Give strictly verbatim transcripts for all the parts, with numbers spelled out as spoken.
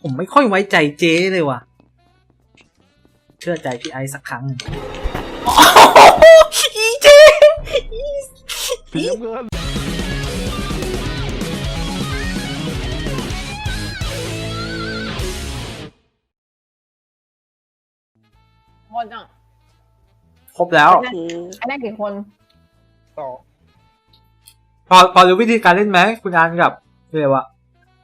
ผมไม่ค่อยไว้ใจเจ๊เลยว่ะเชื่อใจพี่ไอซ์สักครั้งอีเจ๊สีน้ำเงินคนอ่ะครบแล้วอันนั้นกี่คนสองพอพอรู้วิธีการเล่นไหมคุณอานกับเรียกว่า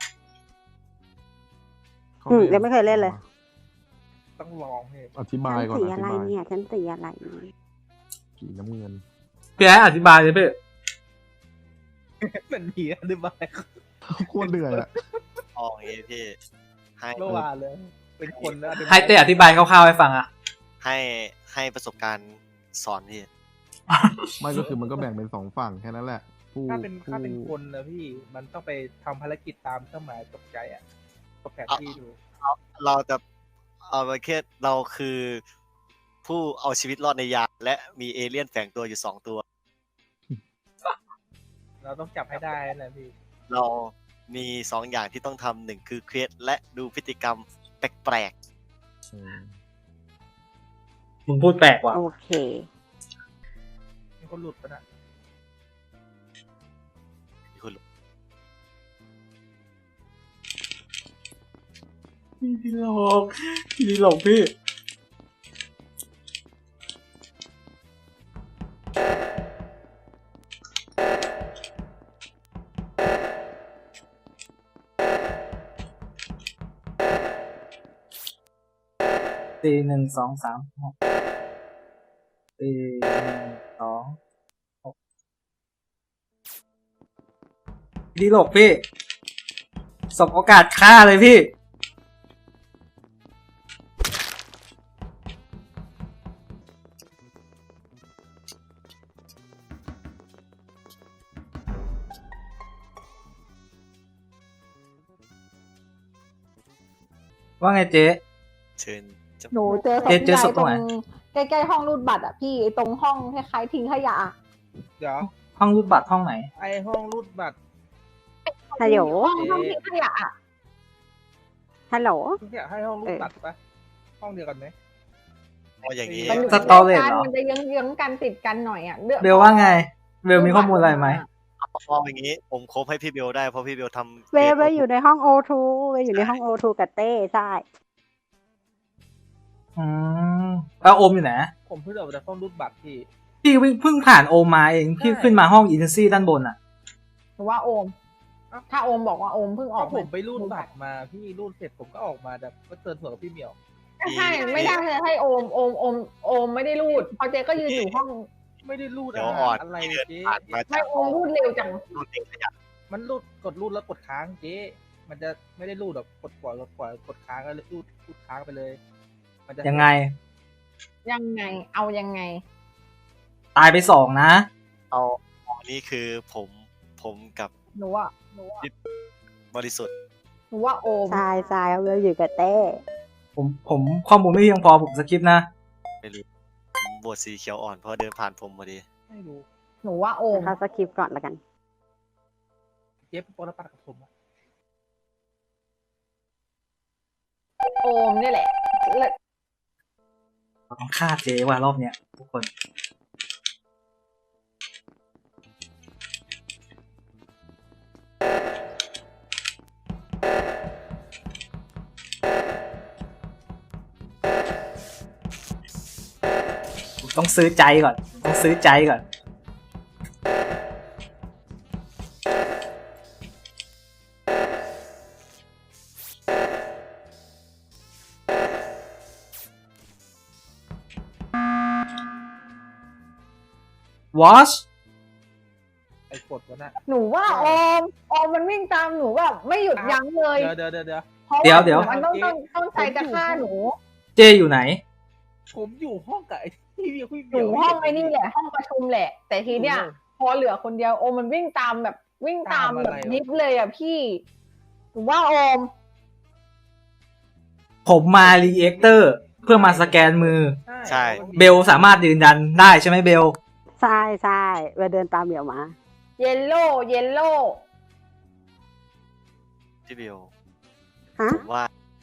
อืมยังไม่เคยเล่นเลยต้องลองให้อธิบายก่อนสีอะไรเนี่ยฉันสีอะไรสีน้ำเงินพี่ไอ้อธิบายเลยพี่มันมีอธิบายโคตรเหนื่อยอะอ๋อเอ้พี่ให้เมื่อวานเลยเป็นคนแล้วให้เต้อธิบายคร่าวๆให้ฟังอะให้ให้ประสบการณ์สอนพี่ไม่ก็คือมันก็แบ่งเป็นสองฝั่งแค่นั้นแหละถ้าเป็นถ้าเป็นคนนะพี่มันต้องไปทำภารกิจตามเครื่องหมายตกใจอ่ะตกแผนที่ดูเราจะเอาไปแค่เราคือผู้เอาชีวิตรอดในยานและมีเอเลี่ยนแฝงตัวอยู่สองตัวเราต้องจับให้ได้นะพี่เรามีสองอย่างที่ต้องทำหนึ่งคือเครียดและดูพฤติกรรมแปลกๆมึงพูดแปลกว่ะโอเคมีคนหลุดปะนะมีคนหลุดพี่หลอกพี่หลอกพี่ตีหนึ่งสองสามหกตีหนึ่งสองหกดีหลอกพี่สบโอกาสฆ่าเลยพี่ว่าไงเจ๊เชิญหนูเจอศพใหญ่ตรงใกล้ๆห้องรูดบัตรอ่ะพี่ตรงห้องคล้ายๆทิ้งขยะเดี๋ยวห้องรูดบัตรห้องไหนไอห้องรูดบัตรฮัลโหลห้องทิ้งขยะอ่ะฮัลโหลเนี่ยให้ห้องรูดบัตรปะห้องเดียวกันไหมอ๋ออย่างนี้สตอเรจเหรอมันจะยังยังกันติดกันหน่อยอ่ะเบลว่าไงเบลมีข้อมูลอะไรไหมพออย่างนี้ผมคบให้พี่เบลได้เพราะพี่เบลทำเบลเบลอยู่ในห้องโอทูเบลอยู่ในห้องโอทูกับเต้ใช่อืมแล้วโอมอยู่ไหนผมเพิ่งออกจากห้องรูดบัตรพี่พี่เพิ่งผ่านโอมมาเองพี่ขึ้นมาห้องอินซี่ด้านบนอ่ะหรือว่าโอมถ้าโอมบอกว่าโอมเพิ่งออกผมไปรูดบัตรมาพี่รูดเสร็จผมก็ออกมาแบบก็เตือนเผื่อพี่เหมียวใช่ไม่ได้เลยให้โอมโอมโอมโอมไม่ได้รูดพอเจ๊ก็ยืนอยู่ห้องไม่ได้รูดอะไรเจ๊ไม่โอมรูดเร็วจังมันรูดกดรูดแล้วกดค้างเจ๊มันจะไม่ได้รูดแบบกดปล่อยกดปล่อยกดค้างแล้วรูดรูดค้างไปเลยมันจะยังไงยังไงเอายังไงตายไปสองนะเอานี่คือผมผมกับหนูว่าหนูว่าบริสุทธิ์หนูว่าโอมใช่ใช่เบลอยู่กับเต้ผมผมข้อมูลไม่เพียงพอผมสกิปนะไม่รู้ผมบวชสีเขียวอ่อนเพราะเดินผ่านผมพอดีไม่รู้หนูว่าโอมเขาสกิปก่อนละกันเจ๊ปอลปัดกับผมโอมนี่แหละต้องฆ่าเจ๊ว่ารอบเนี้ยทุกคนต้องซื้อใจก่อนต้องซื้อใจก่อนวอชไอ้กดวะน่ะหนูว่าโอมโอมมันวิ่งตามหนูแบบไม่หยุดยั้งเลยเดี๋ยวเดี๋ยวเดี๋ยวเดี๋ยวเดี๋ยวมันต้องต้องต้องใจจะฆ่าหนูเจอยู่ไหนผมอยู่ห้องกับไอ้ที่พี่พี่อยู่ห้องไอ้นี่แหละห้องประชุมแหละแต่ทีเนี้ยพอเหลือคนเดียวโอมมันวิ่งตามแบบวิ่งตามแบบยิบเลยอ่ะพี่หนูว่าโอมผมมารีแอคเตอร์เพื่อมาสแกนมือใช่เบลสามารถยืนยันได้ใช่ไหมเบลใช่ใช่เบลเดินตามเหมียวมาเยลโล่เยลโล่พี่เบลฮะผมว่า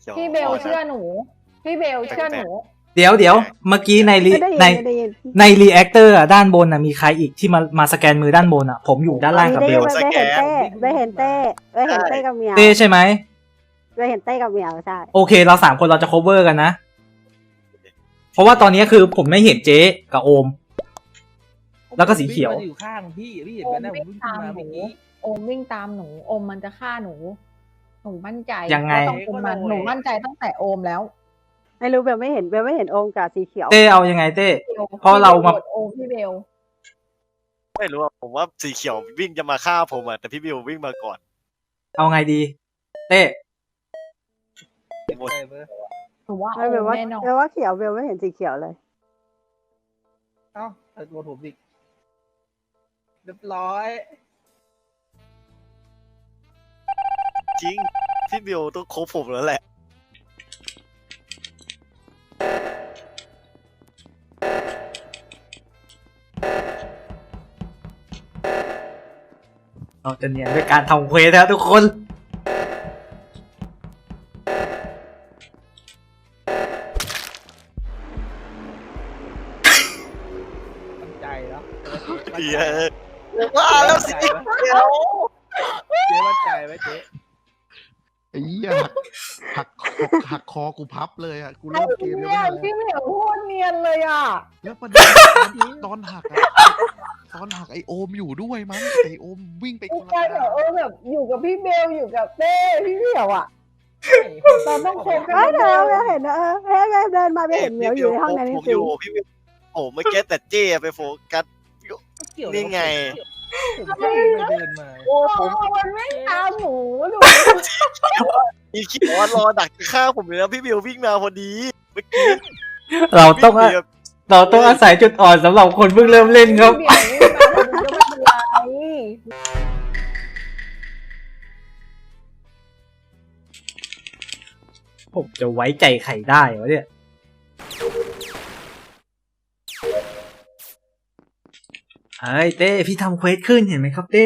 ขียวพี่เบลอ่อนนะเชื่อหนู พี่เบลเชื่อหนูเดี๋ยวเดี๋ยวเมื่อกี้ในรีไม่ได้ยินในไม่ได้ยินในรีแอคเตอร์อะด้านบนอะมีใครอีกที่มามาสแกนมือด้านบนอะผมอยู่ด้านล่างกับได้เบยินลไม่เห็นเต้ไม่เห็นเต้ไม่เห็นเต้กับเหมียวเต้ใช่ไหมไม่เห็นเต้กับเหมียวใช่โอเค เราสามคนเราจะ cover กันนะ เพราะว่าตอนนี้คือผมไม่เห็นเจ๊กับโอม แล้วก็สีเขียวผมงมาอยู่ข้างพี่พี่เห็นไหมนะผมวิ่งขึ้นมาเมื่อกี้โอมวิ่งตามหนูโอมมันจะฆ่าหนูหนูมั่นใจยังไงว่าต้องเป็นมันหนูมั่นใจตั้งแต่โอมแล้วไม่รู้เบลไม่เห็นเบลไม่เห็นโอมกับสีเขียวเต้เอายังไงเต้พี่บลเพราะเรามาพี่บลโหวตโอมพี่เบลไม่รู้อะผมว่าสีเขียววิ่งจะมาฆ่าผมอะแต่พี่บิววิ่งมาก่อนเอาไงดี เต้หมดใช่เบอร์หนูว่าไม่เบลโอมว่าแน่นอนเบลว่าเขียวเบลไม่เห็นสีเขียวเลยเอ้าเอาตัวผมอีกเรียบร้อยจริงพี่บิวต้องคบผมแล้วแหละเราจะเนียนด้วยการทำเควสนะทุกคนมั่นใจแล้วเดี๋ยวว่าแล้วสีเขียวเจ๊มั่นใจไหมเจ๊ไอ้เหี้ยหักหักหักคอกูพับเลยอ่ะกูเริ่มเกมยังเนี่ไม่ยทันเลยพี่เหมียวโคตรเนียนเลยอ่ะแล้วประเด็นตอนหักอะตอนหักไอโอมอยู่ด้วยมั้งไอโอมวิ่งไปคพี่นละใช่ทาเหรอง เออแบบอยู่กับพี่เบลอยู่กับเต้พี่เหมียวอ่ะ เราต้องโฟกัเฮ้สยเดี๋ยวเบลเห็นนะเออเฮ้ยเบลเดินมาเบลเห็นเหมียวอยู่ในห้องนั้นจผมอริงยู่พี่บิวโอ้เมื่อกี้แต่เจ้ไปโฟกัสเกี่ยวนี่ไงผมก็เดินไปเดินมาโอ้ผมมันไม่ตามหนูหนูอีคิดว่ารอดักฆ่าผมเลยนะพี่บิววิ่งมาพอดีเมื่อกี้เราต้องวิ่หนีแบบเราต้องอาศัยจุดอ่อนสำหรับคนเพิ่งเริ่มเล่นครับพี่เบลไม่มาหนูก็ไม่เป็นไรผมจะไว้ใจใครได้วะเนี่ย เฮ้ยเต้พี่ทำเควสขึ้นเห็นไหมครับเต้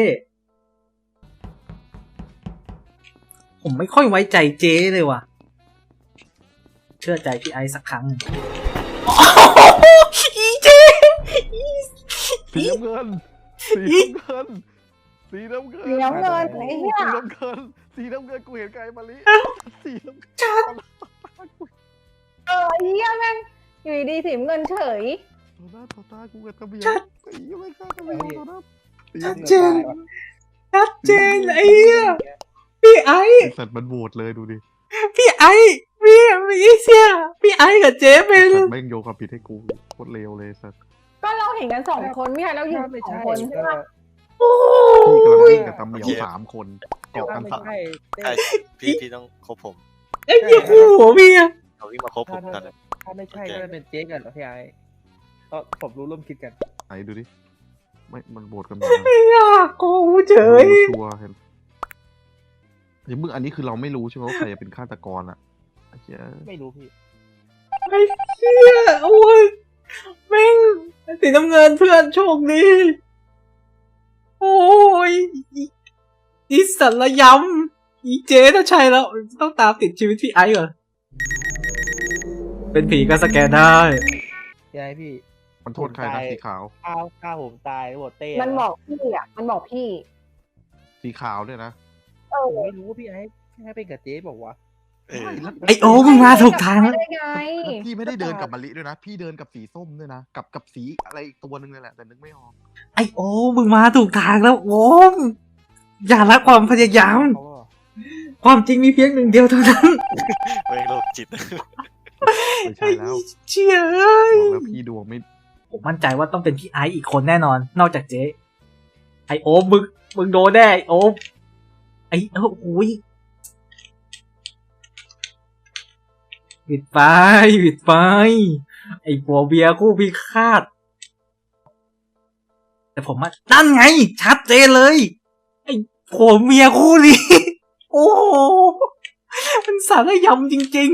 ผมไม่ค่อยไว้ใจเจ๊เลยว่ะ เชื่อใจพี่ไอซ์สักครั้งหนึ่งโอ้โหอีเจ๊สีน้ำเงินสีน้ำเงินสีน้ำเงินสีน้ำเงินไอ้เหี้ยสีน้ำเงินสีน้ำเงินกูเห็นไกลมาลิสีน้ำเงินชัดเออไอ้เหี้ยแม่งอยู่ดีๆสีเงินเฉยต่อหน้าต่อตากูกับตะเบียไอ้เหี้ยไม่กล้าตะเบียต่อหน้าสีชัดน้ำเจเงินนชัดเจนไอ้เหี้ยพี่ไอซ์ไอ้สัตว์มันโหวตเลยดูดิพี่ไอซ์พี่มีเสียพี่ไอซ์กับเจ๊เป็นสัตว์แม่งโยนความผิดให้กูโคตรเลวเลยสัตว์ก็เราเห็นกันสองคนไม่ใช่เราอยู่ถ้าไม่สองใช่คนใช่ก็ปะโอ้พี่กำลังยวิ่งกับตะเหมียวสามคนเกาะถ้ากันไม่สามใช่เต้ใช่พี่พี่ต้องคบผมไอ้เหี้ยคู่หัวเมียเขาวิ่งมาคบผมตอนนั้นถ้าไม่ใช่ก็เป็นเจ๊กันเหรอพี่ไอ้ก็ผมรู้ร่วมคิดกันไหนดูดิไม่มันโหวตกันหมดนะไม่อยากโกงเฉยรู้ชัวร์เห็นเดี๋ยวมึงอันนี้คือเราไม่รู้ใช่ไหมว่าใครจะเป็นฆาตกรอ่ะไอ้เหี้ยไม่รู้พี่ไอ้เหี้ยโอ้ยแม่งสีน้ำเงินเพื่อนโชคดีโอ้ยอีอีสัตว์ระยำอีเจ๊ถ้าใช่แล้วต้องตามติดชีวิตพี่ไอซ์เหรอเป็นผีก็สแกนได้พี่ไอ้พี่มันโทษใครนะสีขาวข้าวข้าวผมตายโหวตเต้มันบอกพี่อ่ะมันบอกพี่สีขาวด้วยนะเออผมไม่รู้ว่าพี่ไอ้พี่ไอ้เป็นกับเจ๊บอกว่าเออไอโอ้มึงมาถูกทางแล้วได้ไงแล้วพี่ไม่ได้เดินกับมะลิด้วยนะ พี่เดินกับสีส้มด้วยนะ กับกับสีอะไรอีกตัวหนึงเลยแหละ แต่นึกไม่ออกไอโอ้มึงมาถูกทางแล้วโอ้มอย่าละความพยายามเขาบอกความจริงมีเพียงหนึ่งเดียวเท่านั้นเว้ยโรคจิตไม่ใช่แล้วเชี่ยเอ้ยบอกแล้วพี่ดวงไม่ผมมั่นใจว่าต้องเป็นพี่ไอซ์อีกคนแน่นอน นอกจากเจ๊ไอโอ๊บมึงมึงโดนแน่ไอโอ๊บไอเออโอ้ยปิดไฟปิดไฟไอผัวเบียร์คู่พิฆาตแต่ผมว่านั่นไง ชัดเจนเลย ไอผัวเมียคู่นี้ โอ้โหมันสารยำจริง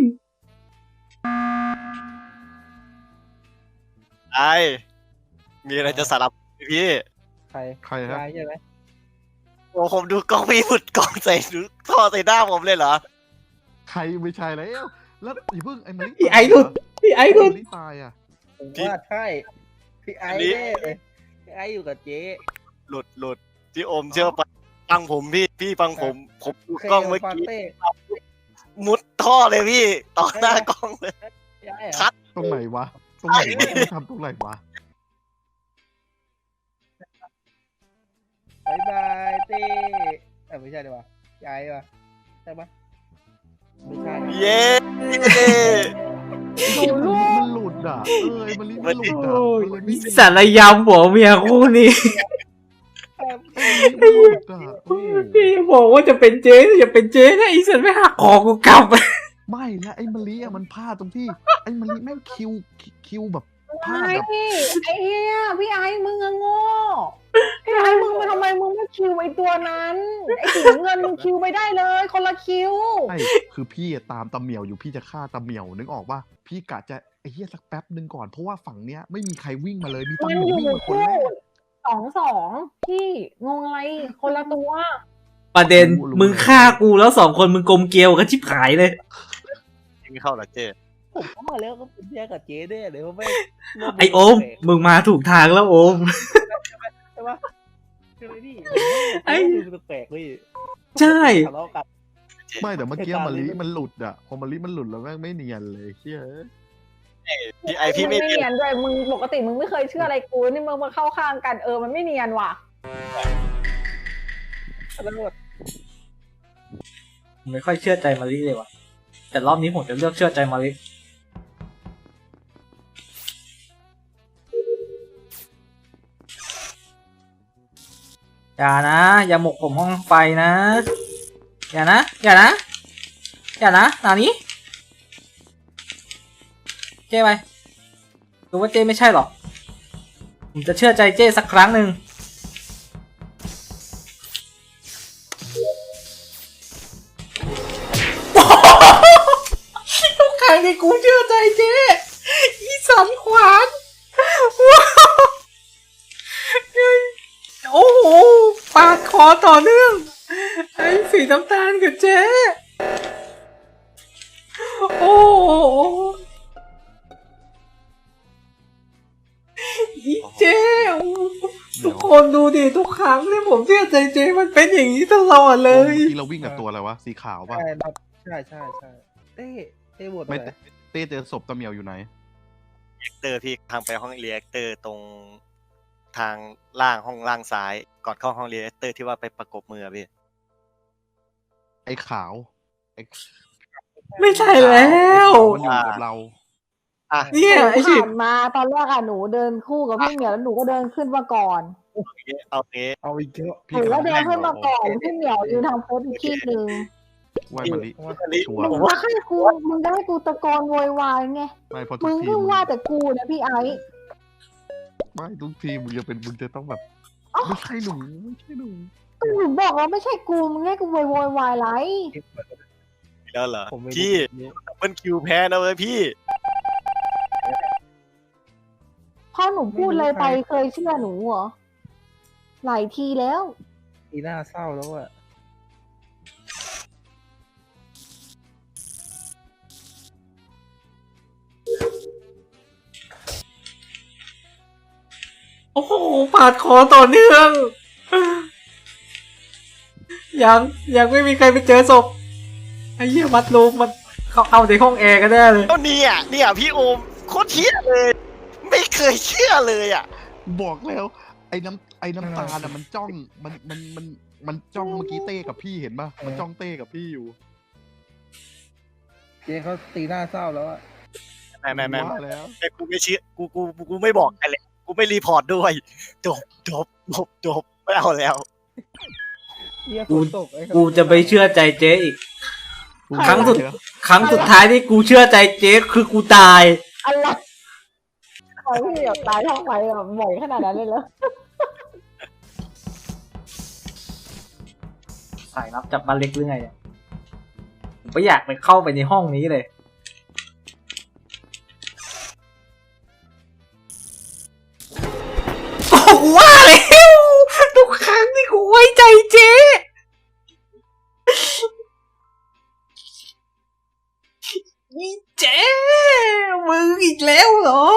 ไอ้มีอะไรจะสารภาพพี่ใครใครครับพี่ไอ้ใช่ไหมโอ้ผมดูกล้องพี่หมุดกล้องใส่ดูท่อใส่หน้าผมเลยเหรอใครไม่ใช่แล้ว แล้วอย่าเพิ่งไอ้มะลิพี่ไอ้หลุดพี่ไอ้หลุดมะลิตายอ่ะผมว่าใช่พี่ไอ้แน่เลยพี่ไอ้อยู่กับเจ๊หลุดหลุดพี่โอมเชื่อปะฟังผมพี่พี่ฟังผมผมดูเคกล้องเมื่อฟากี้เต้มุดท่อเลยพี่ต่อหน้ากล้องเลยพี่ไอ้เหรอคัดตรงไหนวะ ตรงไหนวะมึงทำตรงไหนวะบายบายเต้เออไม่ใช่ดีกว่าพี่ไอ้ปะใช่ปะไม่ใช่เย้หนูลูกมันหลุดอ่ะ เออไอ้มะลิมันหลุดอ่ะมันเลยไม่มีสารยำหัวเมียคู่นี้มันหลุดอ่ะเออพี่บอกว่าจะเป็นเจ๊จะเป็นเจ๊นะไอ้สันไม่หักคอกูกลับไม่แล้วไอ้มะลิอ่ะมันพลาดตรงที่ ไอ้มะลิแม่งคิวคิวแบบพลาดไอ้แบบไอ้เฮียพี่ไอ้มึงอะโง่พี่ไอ้มึงมาทำไมมึงไม่คิวไอ้ตัวนั้นไอ้สีน้ำเงินมึงคิวไปได้เลย คนละคิวใช่คือพี่อะตามตาเหมียวอยู่พี่จะฆ่าตาเหมียวนึกออกว่าพี่กะจะไอ้เหี้ยสักแป๊บหนึ่งก่อนเพราะว่าฝั่งเนี้ยไม่มีใครวิ่งมาเลยมีตามัเหนมียวอยู่วิ่งมาคนคู่แรกสองสองพี่งงอะไรคนละตัวประเด็นมึงฆ่ากูแล้วสองคนมึงกลมเกลียวกันชิบหายเลยไม่เข้าหรอเจ๊ผมก็มาแล้วก็เป็นแยกกับเจ๊ด้วยเดี๋ยวไม่ไอโอม มึงมาถูกทางแล้วโอมใช่ปะใช่ไหมพี่ไอ้ดูแปลกๆพี่ใช่ทะเลาะกันไม่แต่เมื่อกี้เหตุการณ์มะลินี้มันหลุดอ่ะพอมะลิมันหลุดแล้วแม่งไม่เนียนเลยเชี่ยพี่ไอพี่ไม่ไม่เนียเนียนนด้วยมึงปกติมึงไม่เคยเชื่ออะไรกูนี่มึงมาเข้าข้างกันเออมันไม่เนียนว่ะตำรวจไม่ค่อยเชื่อใจมาริเลยว่ะ แต่รอบนี้ผมจะเลือกเชื่อใจมาริอย่านะ อย่าหมกผมห้องไฟนะ อย่านะ อย่านะ อย่านะนานี้เจ้ไปดูว่าเจ้ไม่ใช่หรอก ผมจะเชื่อใจเจ้สักครั้งหนึ่ง ทุกครั้งที่กูเชื่อใจเจ๊อีสันขวานว้าวโอ้โหปาดคอต่อเนื่องไอ้สีน้ำตาลกับเจ๊โอ้โหอีเจ๊ทุกคนดูดิทุกครั้งที่ผมเชื่อใจเจ๊มันเป็นอย่างนี้ตลอดเลเมื่ยอกี้เราวิ่งกับตัวอะไรวะสีขาวป่ะใช่ครับใช่ใช่ใช่เต้เต้บทอะไม่ไรเต้เจอศพตาเหมียวอยู่ไหนเตอร์พี่ทางไปห้องเรียกเตอร์ตรงทางล่างห้องล่างซ้ายก่อนเข้าห้องเรียกเตอร์ที่ว่าไปประกบมือพี่ไอ้ขาวไอ้ไม่ใช่แล้วมันอยู่กับเราอ่ะเนี่ยไอ้หนูชิผ่านมาตอนแรกอะหนูเดินคู่กับพี่เหมียวแล้วหนูก็เดินขึ้นมาก่อนเอางี้เอาอีกเยอะหนูก็เดินขึ้นมาก่อนพี่เหมียวยืนทำโพสอีกที่หนึ่งไหวมะลิอันนี้ชัวร์มึงจะให้กูมึงจะให้กูตะโกนโวยวายไงไม่เพราะทุมึกงทีเพิ่งว่าแต่กูนะพี่ไอ้ไม่ทุกทีมึงจะเป็นมึงจะต้องแบบไม่ใช่หนูไม่ใช่หนูก็หนูบอกแล้วไม่ใช่กูมึงให้กูโวยวายวายไรแล้วเหรอผมไม่พี่รู้มันคิวแพ้นะเว้ยพี่พอหนูพูดอะไรไปเคยเชื่อหนูเหรอหลายทีแล้วอีหน้าเศร้าแล้วอะโอ้โหปาดคอต่อเนื่อง ยังยังไม่มีใครไปเจอศพไอ้เหี้ยมัดรูมมันเขาเอาในห้องแอร์กันแน่เลยก็เนี่ยเนี่ยพี่โอมโคตรเชื่อเลย ไม่เคยเชื่อเลยอ่ะบอกแล้ว ไอ้น้ำไอ้น้ำตาลอะมันจ้องมันมันมันมันจ้องเมื่อกี้เต้กับพี่เห็นปะมันจ้องเต้กับพี่อยู่เจ๊เขาตีหน้าเศร้าแล้วอะไม่ไม่ไม่ว่าแล้วแต่กูไม่เชื่อกูกูกูกูไม่บอกใครเลยกูไม่รีพอร์ตด้วยจบจบจบจบไม่เอาแล้วเหี้ยฝกูนตกไอ้กูจะไปเชื่อใจเจ๊อีกกูครั้งสุดเดี๋ยวครั้งสุดท้ายที่กูเชื่อใจเจ๊คือกูตายอะไรขอพี่เหมียวตายท้องไปแบบบ่อยขนาดนั้นเลยเหรอสายลับจับมาเล็กหรือไงเนี่ยผมไม่อยากไปเข้าไปในห้องนี้เลยโอ้โหว่าแล้วทุกครั้งที่กูไว้ใจเจ๊อีเจ๊มึงอีกแล้วเหรอ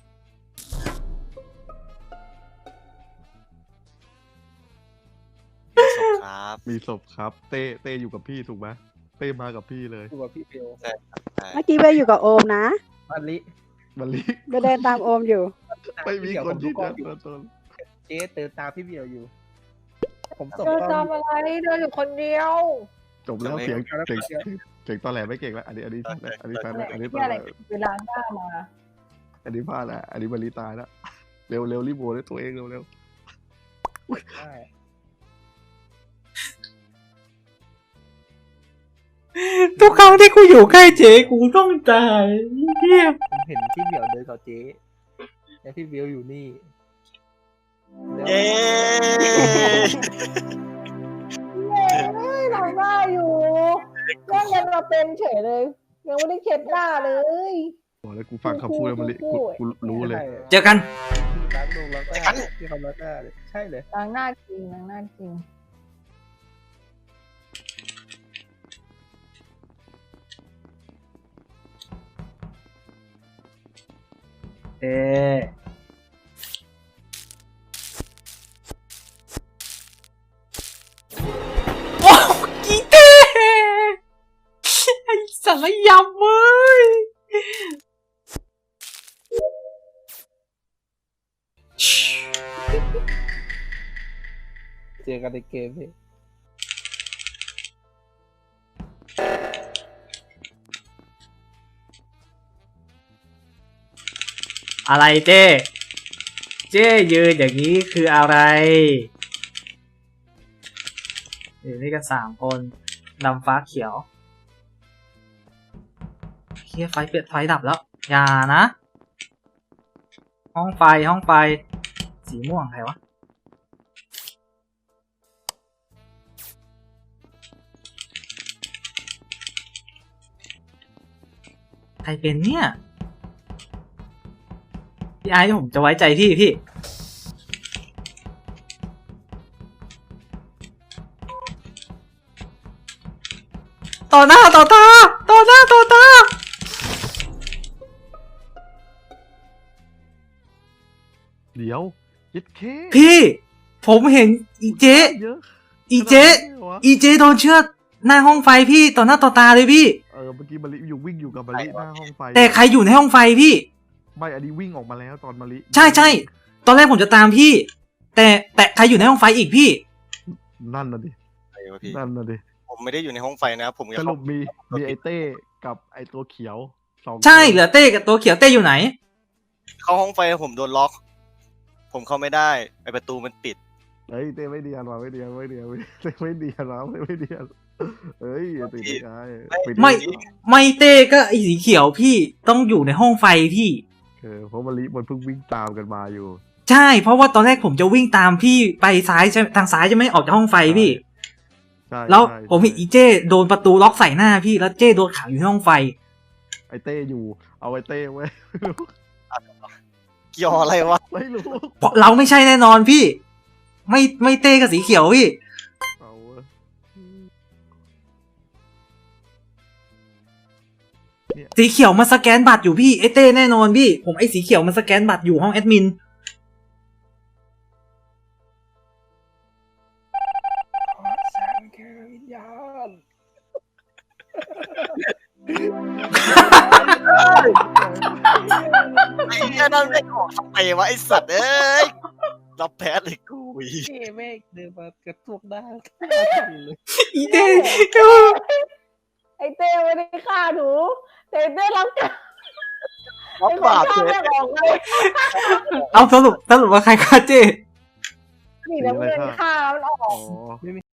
ครับมีศพครับ เต้เต้อยู่กับพี่ถูกไหมเต้มากับพี่เลยตัวพี่เบลเมื่อกี้เบลอยู่กับโอมนะมาลิมันรีเบลเดินตามโอมอยู่ไม่มีคนที่เดี๋เดิยวน ผมดูกล้องอยู่ตัวตนเจ๊เตินตามพี่เบลอยู่ ผมส่งเดินกล้ตาอมงอะไรเดินอยู่คนเดียวจบแล้วเสียงจบแล้วเสียงเสียงตอนแหลไม่เก่งแล้วอันนี้อันนี้อันนี้แฟนอันนี้ที่อะไรเวลาหน้ามาอันนี้พลาดแล้วอันนี้มารีตายแล้วเร็วเร็วรีบโบด้วยตัวเองเร็วเร็วได้ทุกครั้งที่กูอยู่ใกล้เจ๊กูต้องตายเฮียผมเห็นพี่เบลเดินกับเจ๊แล้วพี่เบลอยู่นี่แล้วเย้เฮ้ยเราหน้าอยู่แม่งยังมาเป็นเฉยเลย ยังไม่ได้เช็ดหน้าเลยบอกแล้วกูฟังคำพูดแล้วมันกูกูรู้เลยเจอกันล้างลงล้างหน้าที่เขาล้างหน้าเลยใช่เลยล้างหน้าจริงล้างหน้าจริงเอ๊ะโอ้กีเต้ไอ้สารยำเว้ยเจอกันในเกมพี่อะไรเจ้ เจ้ยืนอย่างนี้คืออะไรอยู่ด้วยกันสามคนดำฟ้าเขียวเฮียไฟเปลี่ยนไฟดับแล้ว อย่านะ ห้องไฟห้องไฟ สีม่วงใครวะ ใครเป็นเนี่ย พี่ไอ้ผมจะไว้ใจพี่พี่ ต่อหน้าต่อตา ต่อหน้าต่อตาเดี๋ยวยึดเคพี่ ผมเห็นอีเจเยอะอีเจขนาดนั้นเลยวะอีเจโดนเชือดหน้าห้องไฟพี่ต่อหน้าต่อตาเลยพี่เออเมื่อกี้มาริอยู่วิ่งอยู่กับมาริหน้าห้องไฟแต่ใครอยู่ในห้องไฟพี่ไม่อันนี้วิ่งออกมาแล้วตอนมาริใช่ใช่ตอนแรกผมจะตามพี่ แต่แต่ใครอยู่ในห้องไฟอีกพี่นั่นน่ะดิอะไรวะพี่นั่นน่ะดิผมไม่ได้อยู่ในห้องไฟนะ ผมสกับรุปมีมีไอเต้กับไอตัวเขียวสองใช่คนเหลือเต้กับตัวเขียวเต้อยู่ไหนเข้าห้องไฟผมโดนล็อก ผมเข้าไม่ได้ไอประตูมันปิดเฮ้ยเต้ไม่เดียนว่ะไม่เดียนไม่เดียนไม่เต้ไม่เดียนว่ะไม่ไม่เดียนเฮ้ยอย่าติดได้ไงปิดไม่ ไม่เต้ก็ไอสีเขียวพี่ต้องอยู่ในห้องไฟพี่เออเพราะมาริมันเพิ่งวิ่งตามกันมาอยู่ใช่เพราะว่าตอนแรกผมจะวิ่งตามพี่ไปซ้ายใช่ทางซ้ายจะไม่ออกจากห้องไฟพี่ใช่แล้วใช่ผมเห็นอีเจ้โดนประตูล็อกใส่หน้าพี่แล้วเจ้โดนขังอยู่ในห้องไฟไอเต้อยู่ เอาไอเต้ไว้เกี่ยวอะไรวะไม่รู้เพราะเราไม่ใช่แน่นอนพี่ ไม่ไม่เต้กับสีเขียวพี่เอาเว้ยสีเขียวมันสแกนบัตรอยู่พี่ไอเต้แน่นอนพี่ ผมไอสีเขียวมันสแกนบัตรอยู่ห้องแอดมินแสงแค่วิญญาณไอ้เหี้ยนั่นไม่ออกทำไมวะไอสัตว์เอ้ยรับแพ้เลยกูอีเจ๊แม่งเดินมากระตุกหน้าเลยอีเต้ไอเต้ไม่ได้ฆ่าหนูแต่ไอ้เต้รับกรรมรัไอ้บคนบาปฆ่าเลยแม่งออกเลยเอาสรุปสรุปว่าใครฆ่าเจ้นี่น้ำเงินฆ่ามันออกอ๋อ